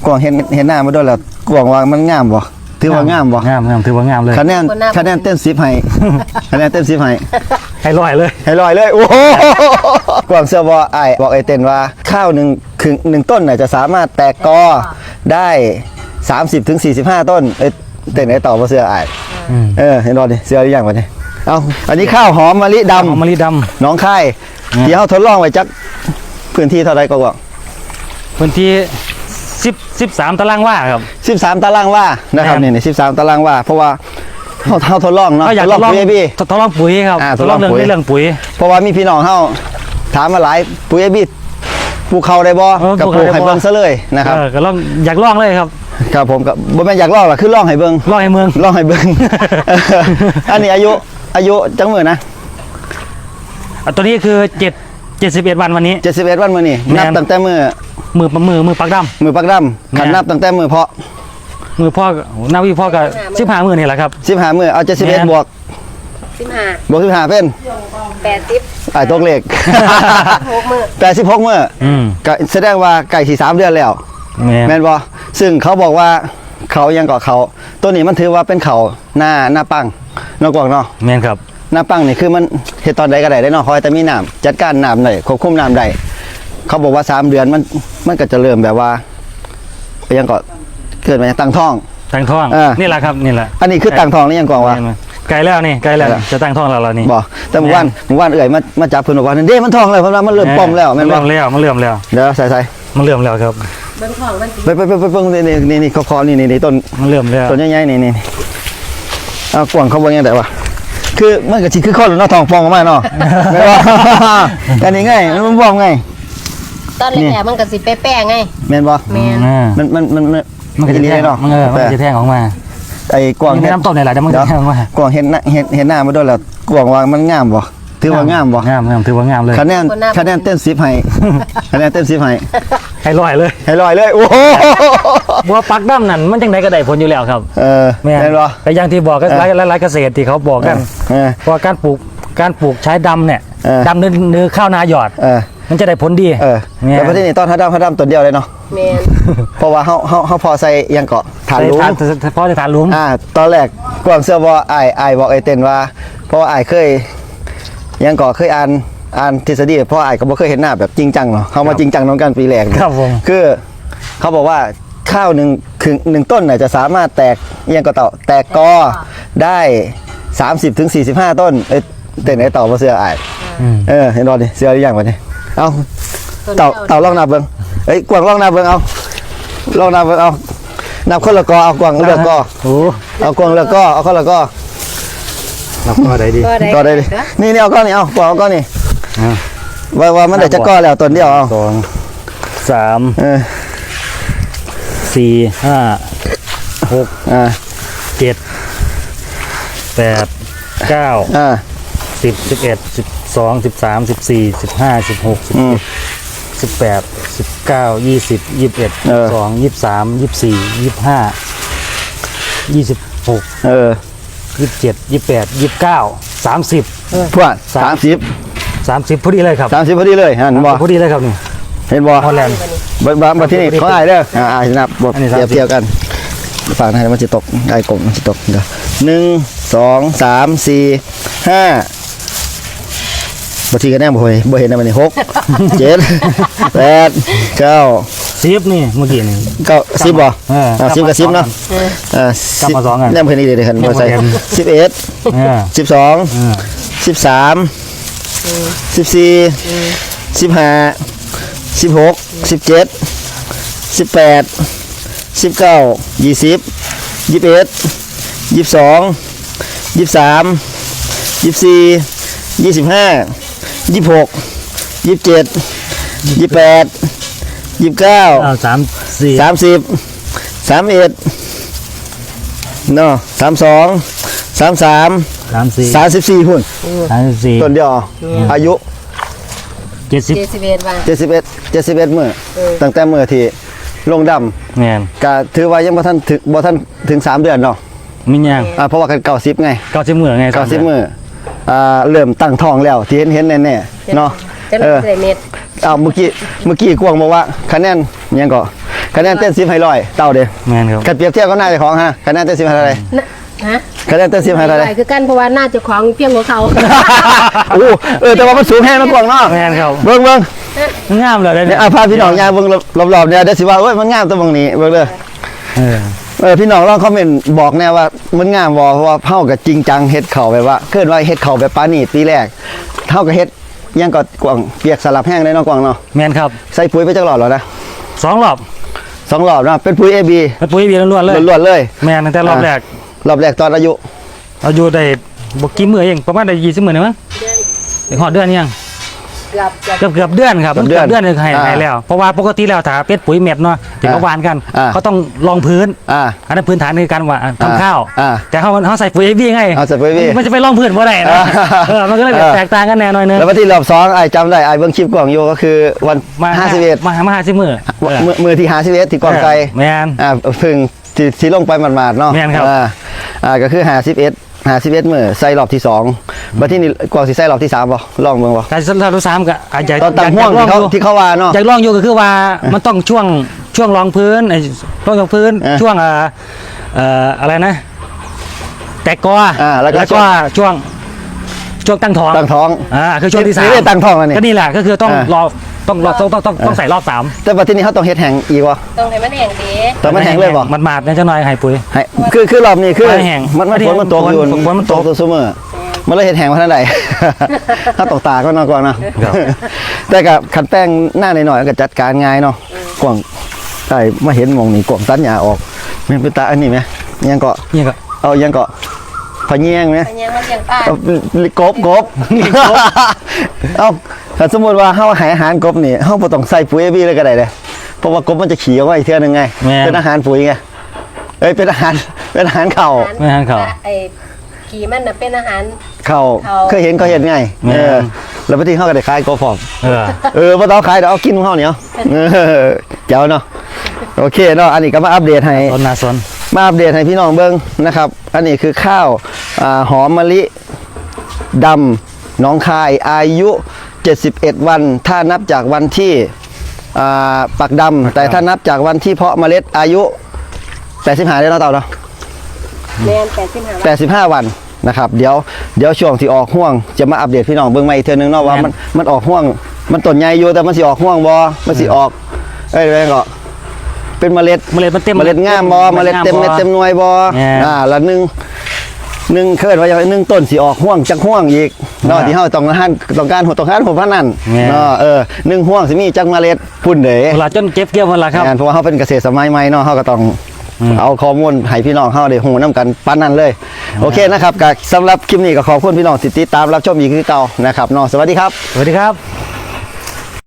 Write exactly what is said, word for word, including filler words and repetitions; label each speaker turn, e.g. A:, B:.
A: กวางเห็นเห็นหน้ามาด้วยแล้วกวางว่ามันงามบ่ถือว่างามบ่
B: งามงามถือว่างามเลย
A: คะแนนคะแนนเต็มสิบให้คะแนนเต็มสิบให้
B: ให้ร้อยเลย
A: ให้ร้อยเลยโอ้โหกวางเสื้อบ่ไอ้บอกไอ้เต้นว่าข้าวหนึ่งครึ่งหนึ่งต้นน่ะจะสามารถแตกกอได้สามสิบถึงสี่สิบห้าต้นเอ้เต้นไอ้ต่อบ่เสื้อไอ้เออเห็นรอดิเสื้อหรือยังวะนี่เอาอันนี้ข้าวหอมมะลิดำ
B: หอมมะลิด
A: ำน้องค่ายที่เขาทดลองไว้จักพื้นที่เท่าไรก็ว่า
B: พื้นที่สิบสิบสามตารางวาครับ
A: สิบสามตารางวานะครับนี่สิบสามตารางวาเพราะว่าเขาเขาทดลองเนาะ
B: อยากทดลองปุ๋ยพี่ทดลองปุ๋ยครับทดลองเรื่องเรื่องปุ๋ย
A: เพราะว่ามีพี่น้องเขาถามมาหลายปุ๋ยเอบี้ปลูกเขาได้บ่กับปลูกไห่เบิ้งซะเลยนะครับ
B: ก็ลองอยากลองเลยครับ
A: ครับผมกับบ่แม่นอยากลองหรอกคือลองไห่เบิ้ง
B: ลองไห่เมือง
A: ลองไห่เบิ้งอันนี้อายุอายุจังมือนะ
B: ตัวนี้คือเจ็ดเจ็ดสิบเอ็ดวันวันนี้
A: เจ็ดสิบเอ็ดวันวันนี้นับตั้งแต่มือ
B: มือมือมือปักดำ
A: มือปักดำขันนับตั้งแต่มือเพาะ
B: มือพ่อหน้าวิพ่อกับสิบห้ามือนี่แหละครับ
A: สิบห้ามือเอาเจ็ดสิบเอ็ดบวก
C: สิบห้า
A: บวกสิบห้าเป็น
C: แปดสิบ
A: ไอ้ตกเลข
C: หกมือ
A: แปดสิบหกมือก็แสดงว่าไก่สี่สามเดือนแล้วแม่นบ่ซึ่งเขาบอกว่าเขายังเกาะเขาตัวนี้มันถือว่าเป็นเขาหน้าหน้าปังนอกกวางเนาะ
B: แม่นครับ
A: หน้าปังนี่คือมันเห็ดตอนใดก็ได้ได้เนาะคอยแต่มีน้ำจัดการน้ำได้ควบคุมน้ำได้เขาบอกว่าสามเดือนมันมันก็จะเริ่มแบบว่ายังก็เกิดมาตั้งท้อง
B: ตั้งท้องนี่แหละครับนี่แหละ
A: อันนี้คือตั้งท้องนี่ยังกวางว่า
B: ไกลแล้วนี่ไกลแล้วจะตั้งท้องแล้วเรานี่
A: บอกแต่เมื่อวานเมื่อวานเอื่อยมามาจับเพื่อนบอกว่าเด้มันท้องเลยเพราะว่ามันเริ่มป่องแล้ว
B: มันเริ่มแล้วมันเริ่มแล้ว
A: เดี๋ยวใส่ใส่
B: มันเริ่มแล้วครับ
A: ไปไปไปไปเพิ่งนี่นี่นี่คอนี่นี่นี่ต้น
B: มันเริ่มแล้ว
A: ต้นใหญ่ๆนี่นี่เอากวางเขาบอกยังไงวะคือมันก็ชิคือข้อหรือน้าทองฟองออกมาเนาะไม่ว่าอันนี้ง่ายมันฟองไง
C: ตอนแรกมันก็สิแป้ๆไง
A: แม่นบ่
C: แม่น
A: มันมันมัน
B: มันจะแทงเนาะมันเออมันจะแทงออกมา
A: ไอ้กวาง
B: เห็นน้ำต้มในหลายเดี๋ยวมันจะแทงออกมาก
A: วางเห็นเห็นเห็นหน้ามาด้วยแล้วกวางว่ามันงามบ่ถือว่างามบ่
B: งามงามถือว่างามเลย
A: คะแนนคะแนนเต็มสิบให้คะแนนเต็มสิบให้
B: ให้ร้อยเลย
A: ให้ร้อยเลยโอ้โห
B: บัวปักดำนั่นมันจังไดก็ได้ผลอยู่แล้วครับ
A: เออ
B: แม่นบ่แต่อย่างที่บอกก็หลายหลายเกษตรที่เขาบอกกันว่าการปลูกการปลูกใช้ดำเนี่ยดำเนื้อเนื้อข้าวนาหยอดมันจะได้ผลดี
A: เออแต่ประเทศนี้ต้นฮัดดำฮัดดำตัวเดียวเลยเนาะ
C: แม่น
A: เพราะว่าเขาเขาเขาพอใส่ยังเกาะฐานลุม
B: พอจะฐานลุม
A: อ่าตอนแรกกวางเสื้อว่าไอ้ไอ้บอกไอ้เต้นว่าเพราะว่าไอ้เคยยังเกาะเคยอ่านอ่านทฤษฎีเพราะไอ้ก็บ่เคยเห็นหน้าแบบจริงจังเนาะเขามาจริงจังน้องกันปีแรก
B: ครับผม
A: คือเขาบอกว่าข้าวหนึ่งครึ่งหนึ่งต้นน่ะจะสามารถแตกยังก็ต่อแตกกอได้สามสิบถึงสี่สิบห้าต้นเอ้เต้นไอ้ต่อบ่เสื้อไอ้เออเห็นรอดิเสื้อหรือยังวะนี่เอาเต่าเต่าลองนับเบิ้งเอ้ยกวางลองนับเบิ้งเอาลองนับเบิ้งเอานับคนละกอเอากวางเลือกกอเอากวางเลือกกอเอาคนละกอนับกอได้ดีกอได้ดีนี่นี่เอาก้อนนี่เอากวางเอาก้อนนี่ว่าว่ามันเดี๋ยวจะกอแล้วต้นเดียวเอา
B: สองสามสี่ห้าหกเจ็ดแปดเก้าสิบสิบเอ็ดสิบสองสิบสามสิบสี่สิบห้าสิบหกสิบเจ็ดสิบแปดสิบเก้ายี่สิบยี่สิบเอ็ดสองยี่สิบสามยี่สิบสี่ยี่สิบห้ายี่สิบหก
A: เออ
B: ยี่สิบเจ็ดยี่สิบแปดยี่สิบเก้าสามสิบ
A: พวกสามสิบ
B: สามสิบพอดีเลยครับ
A: สามสิบพอดีเลยเห็นบ่
B: พอดีเลยครับนี่
A: เห็นบ่
B: ฮอลแลนด์
A: บ้านบ้านที่นี่เขาไอ้เด้ออ่านับบทเทียบเทียบกันฝั่งไหนมันจะตกไอ้กลมมันจะตกเดี๋ยวหนึ่งสองสามสี่ห้าบางทีก็แน่บ่เห็นบ่เห็นนะมันนี่หกเจ็ดแปดเก้า
B: สิบนี่เมื่อกี้นี่
A: เก้าสิบบ่อ่าสิบกับสิบเนาะอ่า
B: สิบมาสองกัน
A: แน่บ่เห็นนี่เลยคันบ่ใส่สิบเอ็ดสิบสองสิบสามสิบสี่สิบห้าสิบหกสิบเจ็ดสิบแปดสิบเก้ายี่สิบยี่สิบเอ็ดยี่สิบสองยี่สิบสามยี่สิบสี่ยี่สิบห้ายี่สิบหกยี่สิบเจ็ดยี่สิบแปดยี่สิบเก้า
B: สามสี่
A: สามสิบสามเอ็ดเนาะสามสองสามสาม
B: สามสี่
A: สามสิบสี่หุ่น
B: สามสิบสี่
A: ต้นเดียวอายุ
B: เจ็ดสิบ
C: เจ็ดสิบเอ็ดวัน
A: เจ็ดสิบเอ็ดเจ็ดสิบเอ็ดมื้อตั้งแต่มื้อที่ลงดำ
B: แม่น
A: ก็ถือว่ายังบ่ทันถึงบ่ทันถึงสามเดือนเนาะ
B: มียัง
A: อ่าเพราะว่ากันเก้าสิบไง
B: เก้าสิบมื้อไง
A: เก้าสิบมื้ออ่าเริ่มตั้งท้องแล้วที่เห็นเห็นแน่ๆเนาะ
C: เออเม็ด
A: เอาเมื่อกี้เมื่อกี้กวางบอกว่าคะแนนยังก็คะแนนเต็มสิบให้ร้อยเต่าเด้อ
B: แมนครับ
A: กันเปรียบเทียบก็น่าจะของฮะคะแนนเต็มสิบให้เท่าไหร่
C: นะฮะ
A: คะแนนเต็มสิบให้เท่าไหร่
C: คือกันเพราะว่าน่าจะของเพียงกว่าเขา
A: โอ้เออแต่ว่ามันสูงแห้งมันกว้างเนาะ
B: แมนครับ
A: เบิ่งเบิ่ง
B: งามเลย
A: เนี่
B: เนี่ย ย
A: อ่ะพาพี่น้องยางเบิ่งรอบๆเนี่ยเดี๋ยวสิว่าเอ้ยมันงามตรงบางนี้เบิ่งเด้อ
B: เออ
A: เออพี่น้องลองคอมเมนต์บอกแน่ว่ามันงามบ่เพราะว่าเฮาก็จริงจังเฮ็ดเข้าแบบว่าเคลื่อนว่าเฮ็ดเข้าแบบปานีตปีแรกเฮาก็เฮ็ดยังก็กว้างเปียกสลับแห้งได้เนาะกว้างเนาะ
B: แมนครับ
A: ใส่ปุ๋ยไปจักหลอดแล้วนะ
B: สองรอบ
A: สองรอบเนาะเป็นปุ๋ย เอ บี
B: เป็นปุ๋ยเบียร์ล้วนๆเลย
A: ล้วนๆเลย
B: แมนตั้งแต่รอบแรก
A: รอบแรกตอนอายุ
B: เราอยู่ได้บกี่มือเองประมาณได้ยี่สิบมือนะมั้งถึงหอดเดือนยัง
C: เกือบเกือบ
B: เกือบเกือบเดือนครับเกือบเดือนเลยให้ให้แล้วเพราะว่าปกติแล้วถ้าเป็ดปุ๋ยเม็ดเนาะที่เขาหวานกันเขาต้องรองพื้น
A: อ่า
B: อันนั้นพื้นฐานในการหว่านทำข้าว
A: อ่า
B: แต่เขาเขาใส่ปุ๋ยเอวีไง
A: เอาใส่ปุ๋ย เอ วี
B: มันจะไปรองพื้นบ่ได้นะ
A: อ่า
B: เออมันก็เลยแบบ
A: อ่า
B: แตกต่างกันแน่หน่อยนึง
A: แล้ววันที่รอบสองไอ้จำได้ไอ้เบิ่งคลิปกล่องอยู่ก็คือวัน
B: มา
A: ห้าสิบเอ็ด
B: มามาห้าสิบมือเออ
A: มือมือที่ห้าสิบเอ็ดที่กล่องไกล
B: แมน
A: อ่าเพึ่งที่ที่ลงไปหมาดๆเนาะ
B: แม่นครับ
A: อ่าอ่าก็คือห้าสิบเอ็ดห้าสิบเอ็ดมือใส่รอบที่สองบัดที่นี่กล่องสิใส่รอบที่สามบ่ลองเบิ่งบ่
B: การสรุปสามก็อาจจะ
A: ตอนตั้งห่วง
B: อยาก
A: ที่เขา
B: ลองอยู่
A: ที่เขาว่าเนาะ
B: อยากลองอยู่ก็คือว่ามันต้องช่วงช่วงรองพื้นไอ้รองพื้น
A: เออ
B: ช่วงเอ่อเอ่ออะไรนะ แตกกอ
A: อ่าแล้วก็
B: ก็ช่วงช่วงตั้งท้อง
A: ตั้งท้อง
B: อ่าคือช่วงที่สาม
A: นี่ได้ตั้งท้องแล้วนี่
B: ก็นี่แหละก็คือต้อง
A: อ่าร
B: อต้องรอต้องต้องต้องต้องใส่รอบสาม
A: แต่บัดที่นี่เขาต้องเฮ็ดแห้งอีกบ่
C: ต้องให้มันแห้งดี
A: แต่มันแห้งเลยบ่
B: มันมาดเนี่ยจะน้อยให้ปุ๋ย
A: ให้คือคือรอบนี้คือ
B: มันแห้ง
A: มันมันฝนมันตกอยู่
B: ฝนมันตก
A: ซุมื้อมันเลยเฮ็ดแห้งมาทางใด ถ้าตกตาก็นอนก่อนเนาะ
B: ครับ
A: แต่กับคันแป้งหน้าหน่อยๆก็จัดการง่ายเนาะกว่างใช่มาเห็นหมองนี่กว่างตัดหญ้าออกแม่นเป็นตาอันนี้ไหมยังเกาะ
B: นี่ก็
A: เอายังเกาะพะเงียงไหม
C: มันยังมันยังป้า
A: เอากบกบ เอาถ้าสมมติว่าเฮาให้อาหารกบนี่เฮาบ่ต้องใส่ปุ๋ย เอ บี เลยก็ได้เด้เพราะว่ากบมันจะขี่ออกมาอีกเทื่อนึงไง
B: แม่น
A: เป็นอาหารปุ๋ยไงเอ้ยเป็นอาหารเป็นอาหารเข่า
B: ไม่ทันเขา
C: ไอ้ขี่มันน่ะเป็นอาหาร
A: เข่า
C: เข่า
A: เคยเห็นเขาเห็นไง
B: แม่น
A: เออแล้วบางทีเฮาก็ได้ขายกบพร้อม
B: เออ
A: เออบ่ต้องขายเดี๋ยวเอากินของเฮาเนี่ยเออเจ้าเนาะโอเคเนาะอันนี้ก็มาอัปเดตให้
B: ต้นนาสน
A: มาอัปเดตให้พี่น้องเบิ้งนะครับ อันนี้คือข้าวอ่าหอมมะลิดำหน้องคายอายุเจ็ดสิบเอ็ดวัน ถ้านับจากวันที่อ่าปักดำแต่ถ้านับจากวันที่เพาะเมล็ดอายุแปดสิบห้าได้แล้วเต่าเนาะ
C: แมนแปดสิบห้า
A: แปดสิบห้าวันนะครับเดี๋ยวเดี๋ยวช่วงที่ออกห่วงจะมาอัปเดตพี่น้องเบิ้งใหม่อีกเทื่อนึงเนาะว่ามันมันออกห่วง มันต้นใหญ่อยู่แต่มันสิออกห่วงบ่มันสิออกเอ้ยอะไรก็เป็นเมล็ด
B: เมล็ดมันเต็ม
A: เมล็ดงามบอเมล็ดเต็มเม็ดเต็มหน่วยบอ
B: แม่น
A: อ่าแล้วหนึ่งหนึ่งเคยว่าอย่างไรหนึ่งต้นสีออกห่วงจักห่วงอีกเนาะ
B: แม่น
A: ที่เฮาต้องการต้องการต้องการหัวพันนั่น
B: แม่น
A: เนาะเออหนึ่งห่วงสิมีจักเมล็ดพุ่นเด้
B: เวลาจนเก็บเกี่ยวหมดละครับ
A: งานเพราะว่าเฮาเป็นเกษตรสมัยใหม่เนาะเฮาก็ต้อง
B: อืม
A: เอาข้อมูลให้พี่น้องเฮาได้ฮู้นํกันปานนั้นเลย โอเคนะครับก็สำหรับคลิปนี้ก็ขอบคุณพี่น้องที่ติดตามรับชมอีกคือเก่านะครับเนาะสวัสดีครับ
B: สวัสดีครับ